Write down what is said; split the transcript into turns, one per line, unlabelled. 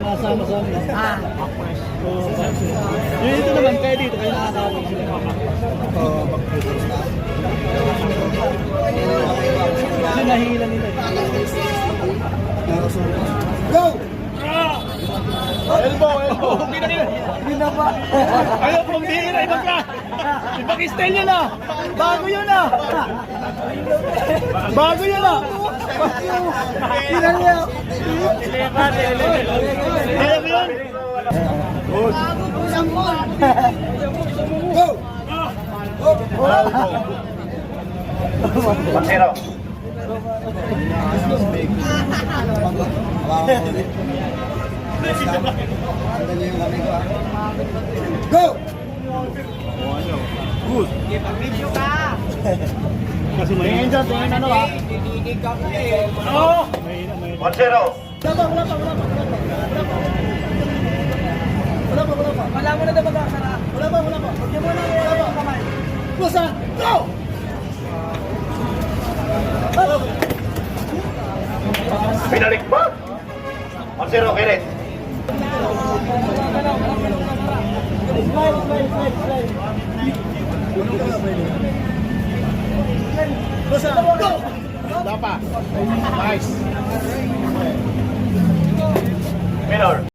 Sama-sama. Yung ito naman, kaya dito, kaya nakakawag sila. Kasi nahihila nila.
Go!
Elbow! Binaba. Ayaw pong dihira, ibang ka. Ibang style yun ah. Bago yun ah. Bago yun ah.
Ilan niya?
Kaya mo yun?
Go!
Pasero.
Go!
Good. Kasi may tingin dyan, tingin ano ah. Oo!
Pasero.
Wala mo na dapat sara. Wala pa. Huwag niyo muna yung kamay. Pusa! Go!
Binalik ba? Pasero, Kenneth.
Pusa! Go!
Dapa. Nice.
Minor.